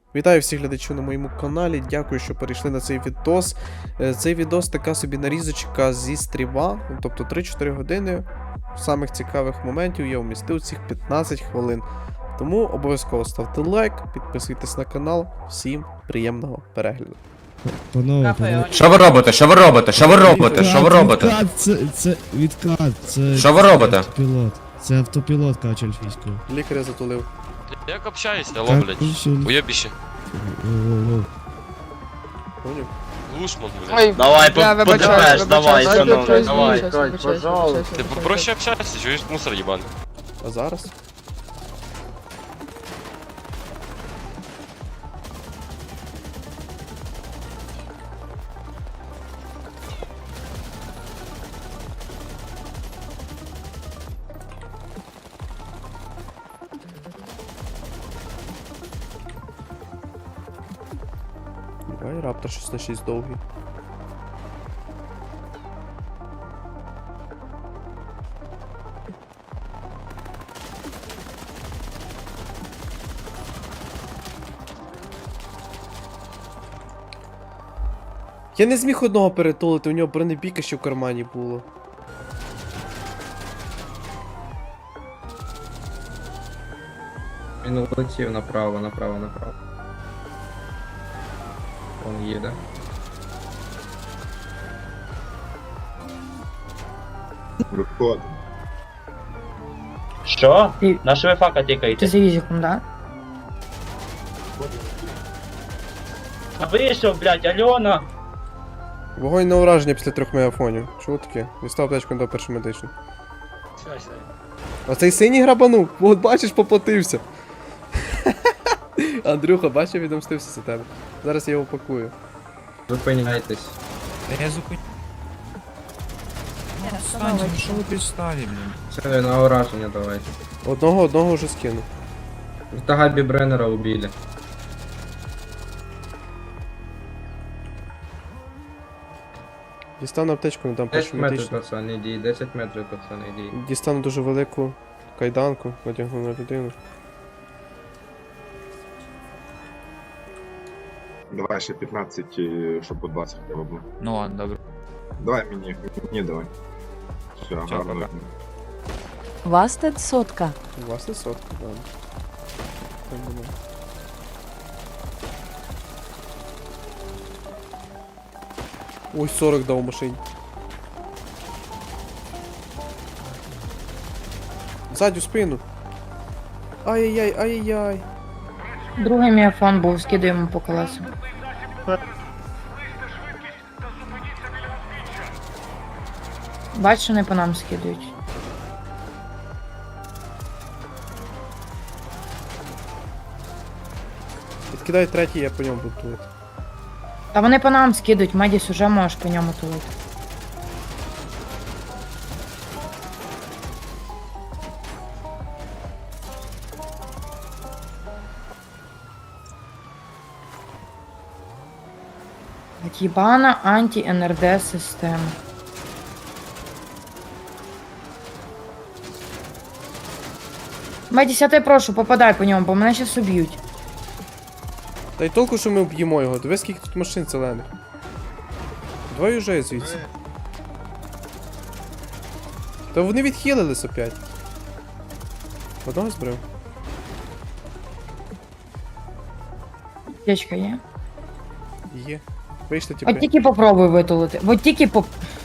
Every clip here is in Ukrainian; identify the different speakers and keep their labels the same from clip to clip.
Speaker 1: Вітаю всіх глядачів на моєму каналі, дякую, що перейшли на цей відос. Цей відос така собі нарізочка зі стріма, тобто 3-4 години самих цікавих моментів я вмістив цих 15 хвилин. Тому обов'язково ставте лайк, підписуйтесь на канал, всім приємного перегляду.
Speaker 2: Панове.
Speaker 3: Що ви робите? Що ви робите? Що ви робите? Що ви робите?
Speaker 2: Відкат, це відкат, це...
Speaker 3: Що ви робите?
Speaker 2: Автопілот. Це автопілот каче ельфійською.
Speaker 1: Лікаря затулив.
Speaker 4: Як общаюсь, алло, блядь. Уебище.
Speaker 1: Поняв?
Speaker 4: Глушман, блядь.
Speaker 5: Ой,
Speaker 6: Давай,
Speaker 5: я
Speaker 6: подивиш, давай, шановний, давай.
Speaker 4: Ты проще общайся, чуешь, мусор ебаный.
Speaker 1: А зараз? Давай, раптор 6 на 6 довгий. Я не зміг одного перетулити, у нього бронебійка ще в кармані було.
Speaker 6: Він улетів направо. Он їде.
Speaker 7: Виходимо.
Speaker 6: Що?
Speaker 5: Ти-
Speaker 6: На що ви фака
Speaker 5: Ты
Speaker 6: тикаєте?
Speaker 5: за визиком, да?
Speaker 6: А вийшов, блядь, Альона!
Speaker 1: Вогонь на ураження після 3 мегафонів. Чого таке? Дістав аптечку до першої медичної. А цей синій грабанув, от бачиш, поплатився. Андрюха, бачив, відомстився за тебе. Зараз я його пакую.
Speaker 6: Зупиняйтесь.
Speaker 8: Я зупиню. Встаньте, ну що ви підставі, блін?
Speaker 6: Все, на ураження давайте.
Speaker 1: Одного вже скинув.
Speaker 6: Это Габи Бреннера убили.
Speaker 1: Дістану аптечку, не дам
Speaker 6: 10
Speaker 1: першу
Speaker 6: метрів,
Speaker 1: медичну.
Speaker 6: пацан, іди, 10 метрів, пацан, іди.
Speaker 1: Дістану дуже велику кайданку, надягну на людину.
Speaker 7: Давай ще 15, щоб по 20 треба було.
Speaker 8: Ну ладно, добре.
Speaker 7: Давай мені давай. Все, гарно.
Speaker 8: пока.
Speaker 9: Вастед сотка.
Speaker 1: У вас не сотка, ладно. Так буде. Ой, 40 дав у машині. Ззаді в спину. Ай-яй-яй, ай-яй-яй.
Speaker 5: Другий міафон був, скидуємо по колесу. Бачиш, що не по нам скидують.
Speaker 1: Відкидай третій, я по ньому буду тулити.
Speaker 5: Та вони по нам скидують, Медіс уже можеш по ньому тулити. Єбана анті-НРД система. Медіс, я тебе прошу, попадай по ньому, бо мене щас уб'ють.
Speaker 1: Та й толку, що ми вб'ємо його. Диви, скільки тут машин зелених. Давай уже звідси. Та вони відхилились опять. Одного збрив.
Speaker 5: Аптечка є?
Speaker 1: Є. Вийшли типу.
Speaker 5: От тільки попробуй витулити. От тільки поп...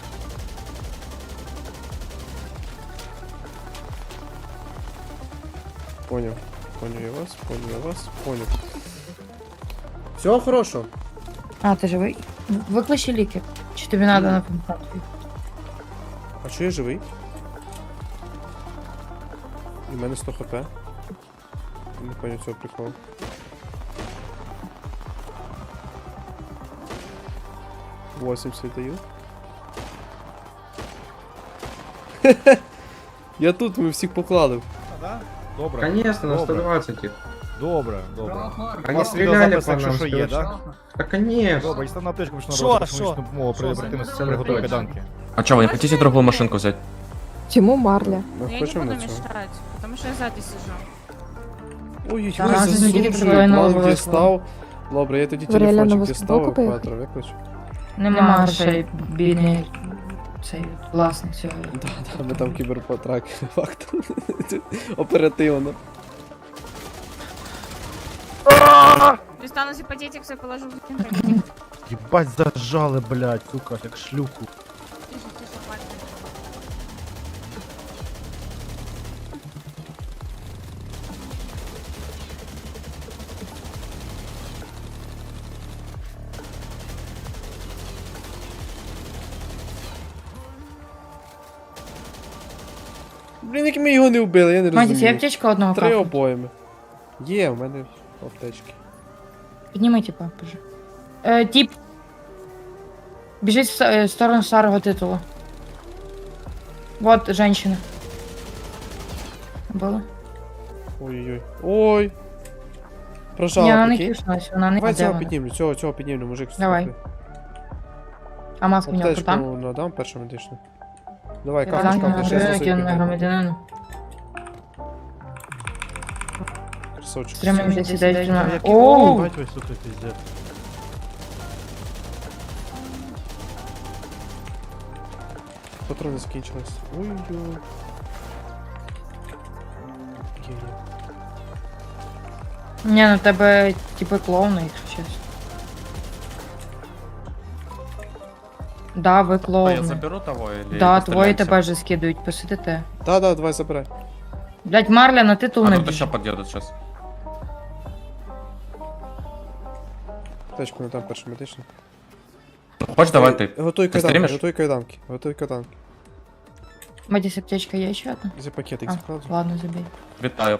Speaker 1: Поняв. Поняв я вас, поняв я вас, поняв. Всього хорошого.
Speaker 5: А, ти живий? Викличе ліки. Чи тобі треба на помпату?
Speaker 1: А чого я живий? І в мене 100 хп. Не поняв цього приколу. Восемьдесят даю. Я тут, ми всіх поклали.
Speaker 8: Добре.
Speaker 6: Конечно, на
Speaker 8: Добре.
Speaker 6: 120 их.
Speaker 8: Добре, добре.
Speaker 6: Они стреляли по нам.
Speaker 8: Якщо є, так?
Speaker 6: Да конечно.
Speaker 8: Добре, і став на аптечку, що на роботу, що допомогу при оперативності
Speaker 6: Це не
Speaker 8: приготові
Speaker 6: точно.
Speaker 8: кайданки.
Speaker 3: А чого, ви не хочете другу машинку взяти?
Speaker 9: Чому Марля?
Speaker 1: Ми
Speaker 10: Я не
Speaker 1: хочемо
Speaker 10: буду
Speaker 1: на цього.
Speaker 10: мешать, потому что я сзади сижу.
Speaker 1: Ой-ой-ой,
Speaker 5: Зараз
Speaker 1: засуджую,
Speaker 5: неділі прибавлено
Speaker 1: план
Speaker 5: обов'язково.
Speaker 1: дістав. Добре, я тоді
Speaker 9: Варіально
Speaker 1: телефончик
Speaker 9: нову
Speaker 1: дістав,
Speaker 9: собаку поїхати?
Speaker 1: евакуатор викличу.
Speaker 5: Нема грошей, бідний цей власник цього.
Speaker 1: Да, ми там кіберпотрак, факт. Оперативно.
Speaker 10: Достану симпатетик, все положу в
Speaker 8: Єбать зажали, блядь, сука, як шлюху.
Speaker 1: Блін, як ми його не вбили, я не
Speaker 5: Матіс, є
Speaker 1: розумію.
Speaker 5: аптечка одного
Speaker 1: 3
Speaker 5: кафу?
Speaker 1: обоями. Є, в мене аптечки.
Speaker 5: Підніми, типа, боже. Тип. Біжить в сторону старого титулу. Вот, женщина. Було?
Speaker 1: Ой-ой-ой. Ой!
Speaker 5: Ні,
Speaker 1: Прожала,
Speaker 5: вона не
Speaker 1: прикинь.
Speaker 5: киснулась, вона не
Speaker 1: Давай
Speaker 5: де
Speaker 1: цього
Speaker 5: вона?
Speaker 1: піднімлю, цього піднімлю, мужик.
Speaker 5: Давай.
Speaker 1: слухай.
Speaker 5: А маска в нього
Speaker 1: Аптечку
Speaker 5: там?
Speaker 1: надам першу медичну. Давай,
Speaker 5: Так,
Speaker 1: капиш,
Speaker 5: на
Speaker 1: я
Speaker 5: громадянину.
Speaker 1: Красавчик.
Speaker 5: Тримай вже сідай.
Speaker 8: Єбать
Speaker 5: Оу!
Speaker 8: ви, сука, пиздец.
Speaker 1: Патрони закінчились. Ой-ой. Окей.
Speaker 5: Ні, ну тебе типу клоуни, якщо чесно. Да, ви клоуни.
Speaker 3: того или...
Speaker 5: Да, твої тебе вже скидують, посидите.
Speaker 1: Да, давай забирай.
Speaker 5: Блять, Марля на титул
Speaker 3: А
Speaker 5: не
Speaker 3: тут
Speaker 5: біжить.
Speaker 3: еще подъедут сейчас.
Speaker 1: Аптечку надам першу медичну.
Speaker 3: Хочешь, давай ты.
Speaker 1: Готуй
Speaker 3: Ти
Speaker 1: кайданки,
Speaker 3: стрімиш?
Speaker 1: готуй кайданки. Готуй кайданки.
Speaker 5: Матіс, аптечка є ще одна?
Speaker 1: За пакетик
Speaker 5: А,
Speaker 1: закладу.
Speaker 5: ладно, забей.
Speaker 3: Витаю.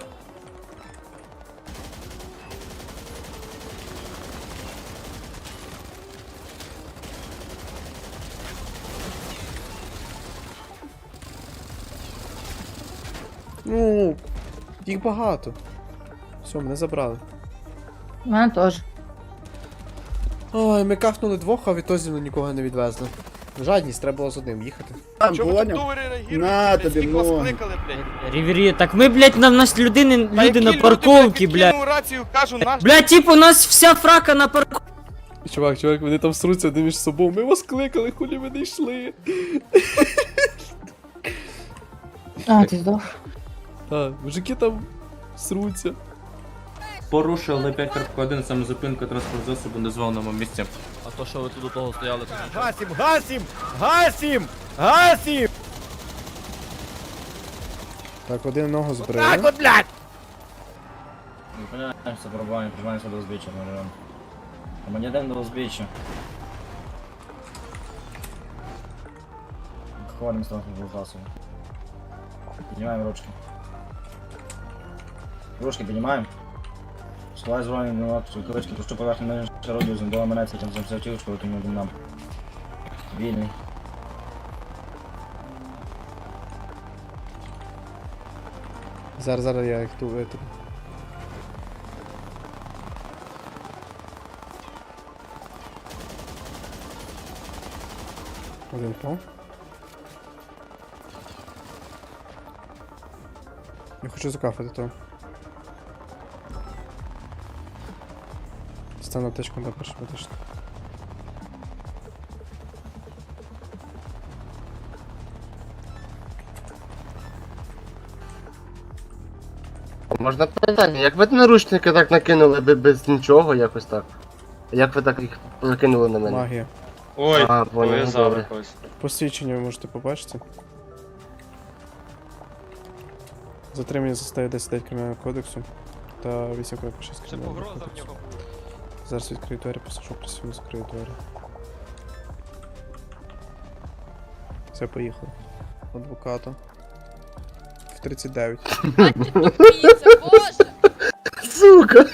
Speaker 1: Ну, їх багато. Все, мене забрали.
Speaker 5: У мене теж.
Speaker 1: Ой, ми кахнули двох, а відтоді нікого не відвезли. Жадність, треба було з одним їхати.
Speaker 8: На тобі, ну.
Speaker 11: Рівері, так ми, блядь, на нас люди на парковці, блядь. Блядь, типу, у нас вся фрака на парковці.
Speaker 1: Чувак, вони там сруться один між собою. Ми вас кликали, хулі ви не йшли.
Speaker 5: А, ти здох.
Speaker 1: Так, мужики там сруться.
Speaker 3: Порушили 5.1 самозупинку транспорт засобу на дозволеному місці.
Speaker 4: А то, що ви тут до того стояли, то нічого.
Speaker 8: Гасім, гасім! Гасім! Гасім!
Speaker 1: Так, один ногу збрили.
Speaker 8: Так от, блядь!
Speaker 11: Зупиняємося, пробуваємо, прижимаємося до узбіччя, наверное. А мені йдемо до узбіччя. Хвалимо з транспортного засобу. Піднімаємо ручки. Ручки піднімаємо. Сховай збройні винуватці, кулички, пущу поверхню мене шародію, зондова менеться, там за автівочку, тому нам. Вільний.
Speaker 1: Зараз я їх ту витру. Один пол. Я хочу закафати то. Стану аптечку на першу медичну.
Speaker 6: Можна питання, як ви наручники так накинули без нічого, якось так? Як ви так їх накинули на мене?
Speaker 1: Магія.
Speaker 4: Ой,
Speaker 6: А, понял,
Speaker 4: пов'язали
Speaker 6: добре.
Speaker 4: когось.
Speaker 1: Посвідчення ви можете побачити. Затримання за статтею 10 Кримінального кодексу та 8 6
Speaker 4: Це
Speaker 1: Кримінального
Speaker 4: погроза в
Speaker 1: кодексу.
Speaker 4: нього.
Speaker 1: Зараз відкрию двері, посажу присівну, закрию двері. Все, поїхали. Адвоката. В 39.
Speaker 6: Сука!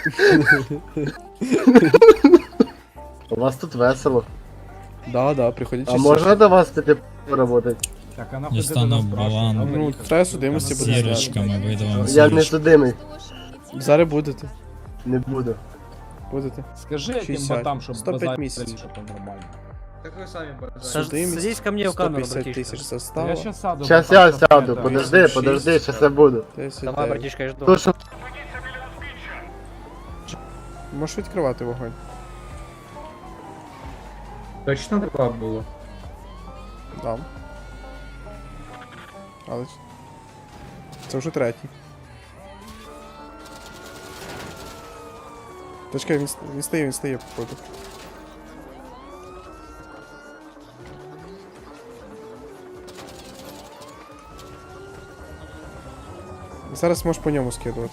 Speaker 6: У вас тут весело.
Speaker 1: Да, приходіть
Speaker 6: А
Speaker 1: частіше.
Speaker 6: можна до вас піти поработати?
Speaker 8: Так, а нахуй ти нас спрашиваєш?
Speaker 1: Ну, треба судимості буде зняти.
Speaker 6: Я не судимий.
Speaker 1: Зараз будете.
Speaker 6: Не буду.
Speaker 1: Будете.
Speaker 8: Скажи тим
Speaker 1: 60.
Speaker 8: ботам, щоб
Speaker 1: 105
Speaker 8: базарили,
Speaker 1: місяців.
Speaker 8: що то нормально.
Speaker 6: Так ви самі бажаєте.
Speaker 1: Судимість.
Speaker 11: Садись ко мне в камеру,
Speaker 1: 150
Speaker 11: братишка.
Speaker 1: тисяч застава.
Speaker 8: Я щас сяду.
Speaker 6: Щас
Speaker 8: братан,
Speaker 6: я
Speaker 8: щоб
Speaker 6: сяду,
Speaker 8: это-
Speaker 6: подожди, щас я буду.
Speaker 1: 10
Speaker 11: Давай, братишка, я жду.
Speaker 6: То, що
Speaker 1: Можеш відкривати вогонь.
Speaker 3: Точно 2 було?
Speaker 1: Дам. Але... Це вже третій. Та чекай, він стає, походу. Зараз можеш по ньому скидувати.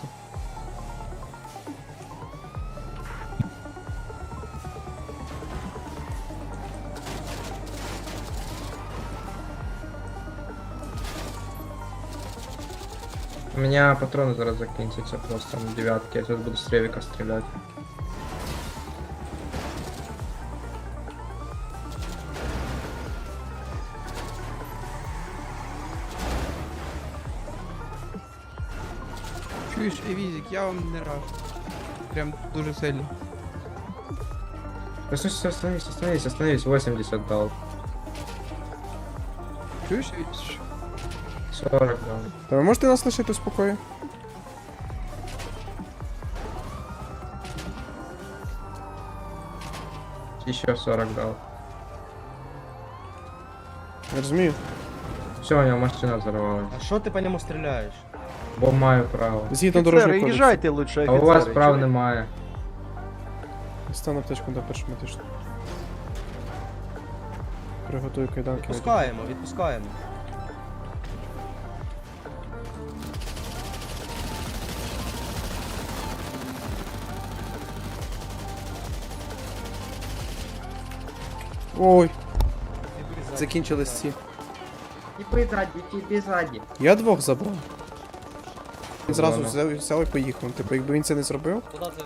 Speaker 3: У меня патроны зараз закінчаться просто на 9-ки, я зараз буду з ревіка стріляти.
Speaker 12: Чуєш, Евізік, я вам не раджу. Прям дуже сильно.
Speaker 3: Остановись, 80 дал.
Speaker 12: Чуєш, Евізік?
Speaker 3: 40 дал.
Speaker 1: Та ви можете нас лишити у спокої?
Speaker 3: Еще 40 дал.
Speaker 1: Я розумію.
Speaker 3: Все, у него машина взорвалась.
Speaker 11: А що ти по ньому стріляєш?
Speaker 3: Бо маю право.
Speaker 1: Згідно дорожнього кодексу.
Speaker 8: їжджайте лучше,
Speaker 3: А у вас прав немає.
Speaker 1: Стань аптечку до першого медичного. Приготую кайданки.
Speaker 11: Відпускаємо, відпускаємо.
Speaker 1: Ой. Закінчились ці.
Speaker 11: І ззаді.
Speaker 1: Я двох забрав. Він зразу
Speaker 3: Ладно.
Speaker 1: взяв і поїхав. Типу, якби він це не зробив.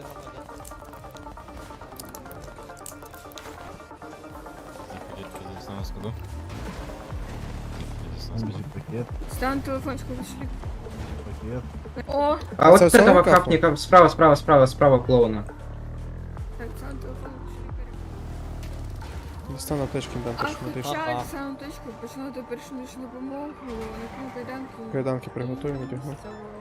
Speaker 10: Стан телефончику вышли. О,
Speaker 3: А вот
Speaker 1: Це все
Speaker 3: этого
Speaker 1: капу?
Speaker 3: капника справа клоуна.
Speaker 10: так, стан телефон вышли.
Speaker 1: Дістану аптечки, дам
Speaker 10: А
Speaker 1: першого медичного.
Speaker 10: включай саму точку, починати першу медичну допомогу, накину кайданки.
Speaker 1: Кайданки приготую, надягну.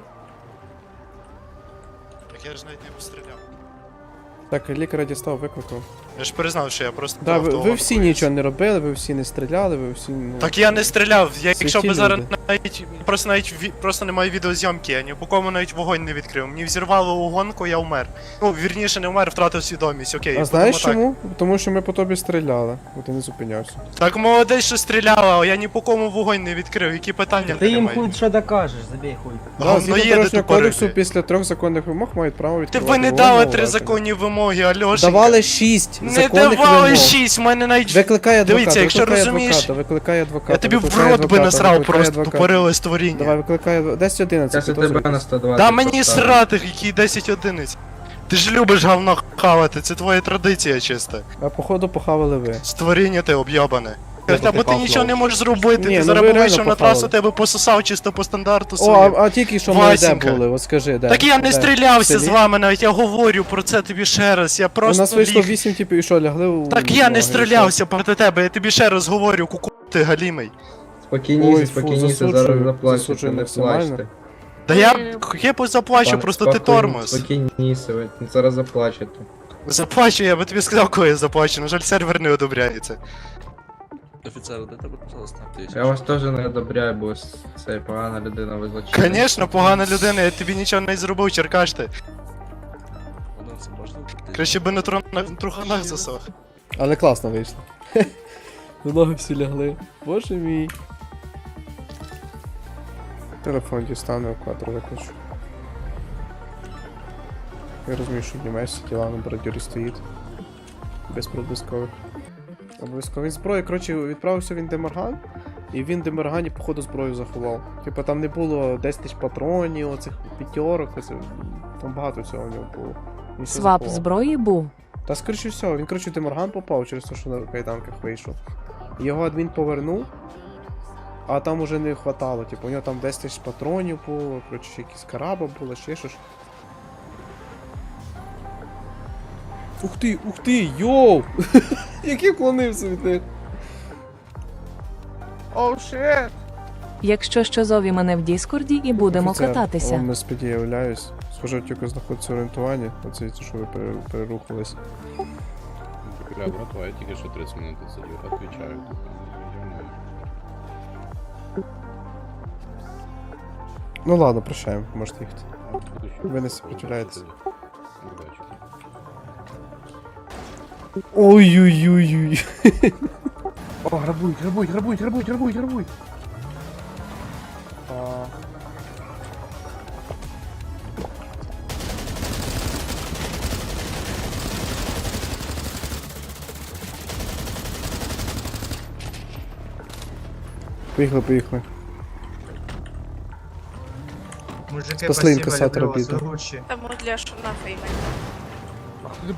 Speaker 13: Так я ж навіть не постріляв.
Speaker 1: Так, лікаря дістав, викликав.
Speaker 13: Я ж признав, що я просто.
Speaker 1: Да,
Speaker 13: був
Speaker 1: ви
Speaker 13: автогон
Speaker 1: всі
Speaker 13: колись.
Speaker 1: нічого не робили, ви всі не стріляли, ви всі. Ну...
Speaker 13: Так я не стріляв, я
Speaker 1: Святі
Speaker 13: якщо би зараз
Speaker 1: люди.
Speaker 13: навіть просто немає відеозйомки, я ні по кому навіть вогонь не відкрив. Мені взірвало угонку, я вмер. Ну, вірніше, не вмер, втратив свідомість, окей.
Speaker 1: А
Speaker 13: будемо
Speaker 1: знаєш
Speaker 13: так.
Speaker 1: чому? Тому що ми по тобі стріляли, бо ти не зупинявся.
Speaker 13: Так молодець, що стріляла, а я ні по кому вогонь не відкрив. Які питання
Speaker 11: Ти їм
Speaker 13: немає?
Speaker 11: хуй що докажеш, забій хуй.
Speaker 1: Да,
Speaker 13: Говно
Speaker 1: згідно
Speaker 13: є, де
Speaker 1: дорожнього кодексу,
Speaker 13: тупорити.
Speaker 1: після 3 законних вимог мають право
Speaker 13: Ти
Speaker 1: відкривати
Speaker 13: ви не
Speaker 1: вогонь
Speaker 13: дали
Speaker 1: на
Speaker 13: 3
Speaker 1: ураження.
Speaker 13: законні вимоги, Альошенька.
Speaker 1: Давали 6
Speaker 13: Не
Speaker 1: законних
Speaker 13: давали
Speaker 1: вимог.
Speaker 13: 6, в мене навіть...
Speaker 1: Викликай адвоката,
Speaker 13: Дивіться, якщо
Speaker 1: викликай
Speaker 13: розумієш-
Speaker 1: адвоката, викликай адвоката.
Speaker 13: Я тобі в
Speaker 1: викликай
Speaker 13: рот би
Speaker 1: адвоката,
Speaker 13: насрав,
Speaker 1: викликай
Speaker 13: просто
Speaker 1: адвоката.
Speaker 13: тупориле створіння.
Speaker 1: Давай, викликай 10-11.
Speaker 3: Зараз я тебе
Speaker 1: підозрюєтесь.
Speaker 3: на 120.
Speaker 13: Да мені
Speaker 3: поставлю.
Speaker 13: срати, який 10 одиниць. Ти ж любиш говно хавати, це твоя традиція чиста.
Speaker 1: А походу похавали ви.
Speaker 13: Створіння ти об'єбане. Або ти нічого не можеш зробити,
Speaker 1: Ні,
Speaker 13: ти
Speaker 1: ну
Speaker 13: зараз
Speaker 1: ви
Speaker 13: би
Speaker 1: реально
Speaker 13: вийшов на
Speaker 1: похавали.
Speaker 13: трасу, тебе пососав чисто по стандарту
Speaker 1: О,
Speaker 13: своїм.
Speaker 1: а тільки що ми де
Speaker 13: Васенька.
Speaker 1: були, от скажи, де?
Speaker 13: Так я не
Speaker 1: Де?
Speaker 13: стрілявся
Speaker 1: В
Speaker 13: з
Speaker 1: селі?
Speaker 13: вами навіть, я говорю про це тобі ще раз, я
Speaker 1: У
Speaker 13: просто
Speaker 1: нас вийшло
Speaker 13: ліг.
Speaker 1: 8 типів і що, лягли у...
Speaker 13: Так я не
Speaker 1: ноги,
Speaker 13: стрілявся проти тебе, я тобі ще раз говорю, куку ти галімий.
Speaker 1: Ой,
Speaker 3: Спокійніше,
Speaker 1: фу,
Speaker 3: спокійніше,
Speaker 1: засуджую,
Speaker 3: зараз заплачете,
Speaker 1: засуджую
Speaker 3: не
Speaker 1: максимально.
Speaker 3: плачте.
Speaker 13: Да я заплачу, просто ти тормоз.
Speaker 3: Спокійніше, ви зараз заплачете.
Speaker 13: Заплачу, я би тобі сказав, коли я заплачу, на жаль, сервер не одобряється.
Speaker 4: Офіцер, де тебе, пожалуйста,
Speaker 3: Я вас теж не одобряю, бо це погана людина, ви злочинець.
Speaker 13: Конечно, погана людина, я тобі нічого не зробив, черкаш ти.
Speaker 4: Це можна?
Speaker 13: Краще би на труханах засох.
Speaker 1: Але класно вийшло. В ноги всі лягли. Боже мій. Телефон дістану, квадро виключу. Я розумію, що в Німеччині тіла на бордюрі стоїть. Без проблискових. Обов'язково зброї. Коротше, відправився він Демарган, і він в Демаргані, походу, зброю заховав. Типа там не було 10 тисяч патронів, оцих п'ятерок, там багато всього в нього було. Він все
Speaker 9: Свап
Speaker 1: заховав.
Speaker 9: зброї був.
Speaker 1: Та скоріше всього, він коротше в Демарган попав через те, що на кайданках вийшов. Його адмін повернув, а там уже не хватало. Типу, у нього там 10 тисяч патронів було, коротше, ще якісь караба було, ще щось. Ух ти, йоу! Який вклонився від них.
Speaker 12: Оу, шет!
Speaker 9: Якщо що, зові мене в Діскорді і будемо
Speaker 1: Офіцер,
Speaker 9: кататися.
Speaker 1: Вам не сподіваюсь. По жовтіку знаходиться орієнтування, оце що ви перерухались.
Speaker 7: Бля, братва, я тільки що 30 минут сидів, отвечаю.
Speaker 1: Ну ладно, прощаємо, можете їхати. Ви не сопротивляєтесь.
Speaker 7: Удачі.
Speaker 1: Ой-ой-ой-ой.
Speaker 8: О, грабують.
Speaker 1: Поїхали.
Speaker 3: Мужики,
Speaker 1: Спасли інкасатора бідного.
Speaker 10: Тому для шуна фейна.